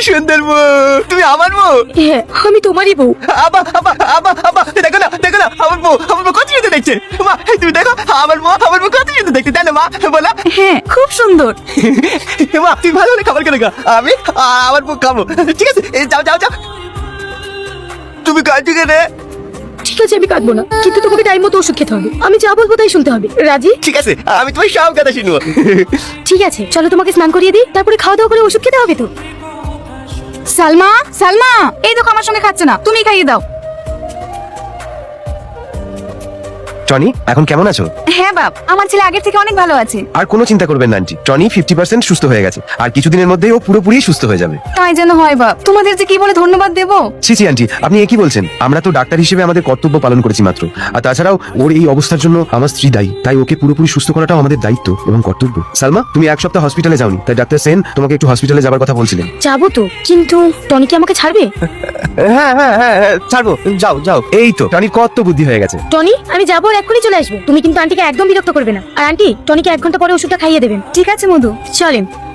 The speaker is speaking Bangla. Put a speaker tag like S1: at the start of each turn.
S1: সুন্দর বউ, তুমি আমার বউ?
S2: হ্যাঁ, আমি তোমারই বউ।
S1: আবা আবা আবা আবা, দেখো না আমার বউ কত সুন্দর দেখছে। মা তুমি দেখো আমার বউ কত সুন্দর দেখছে, তাই না মা? বলো।
S2: হ্যাঁ, খুব সুন্দর।
S1: মা তুমি ভালো হলে খাবার কেন গা? আমি আমার বউ খাবো। ঠিক আছে, যাও যাও যাও। তুমি কাঁদছো কেন?
S2: ঠিক আছে, আমি কাঁদবো না, কিন্তু তোমাকে টাইম মতো ওষুধ খেতে হবে। আমি যা বলবো তাই শুনতে হবে, রাজি?
S1: ঠিক আছে, আমি তোমার সব কথা শুনবো।
S2: ঠিক আছে, চলো তোমাকে স্নান করিয়ে দিই, তারপরে খাওয়া দাওয়া করে ওষুধ খেতে হবে তো। সালমা, সালমা, এই দেখো আমার সঙ্গে খাচ্ছে না, তুমি খাইয়ে দাও।
S3: টনি, এখন কেমন আছো?
S2: হ্যাঁ বাপ, আমার ছেলে আগের থেকে অনেক ভালো আছে।
S3: আর কোনো চিন্তা করবেন না আন্টি, টনি 50% সুস্থ হয়ে গেছে, আর কিছুদিনের মধ্যেই ও পুরোপুরি সুস্থ হয়ে যাবে।
S2: তাই যেন হয় বাপ, তোমাদের যে কি বলে ধন্যবাদ দেবো।
S3: ছি ছি আন্টি, আপনি কি বলছেন? আমরা তো ডাক্তার হিসেবে আমাদের কর্তব্য পালন করেছি মাত্র। আর তাছাড়াও ওর এই অবস্থার জন্য আমার স্ত্রী দায়ী, তাই ওকে পুরোপুরি সুস্থ করাটাও আমাদের দায়িত্ব এবং কর্তব্য। সালমা, তুমি এক সপ্তাহ হসপিটালে যাওনি, তাই ডাক্তার সেন তোমাকে একটু হসপিটালে যাবার কথা বলছিলেন।
S2: যাবো তো, কিন্তু টনি কি আমাকে ছাড়বে?
S3: হ্যাঁ হ্যাঁ হ্যাঁ হ্যাঁ, ছাড়বো, যাও যাও। এই তো টনির কত বুদ্ধি হয়ে গেছে।
S2: টনি, আমি যাবো আর এক্ষুনি চলে আসবো। তুমি কিন্তু আন্টিকে একদম বিরক্ত করবে না, আর আন্টি টনিকে 1 ঘন্টা পরে ওষুধটা খাইয়ে দেবেন। ঠিক আছে মধু, চলেন।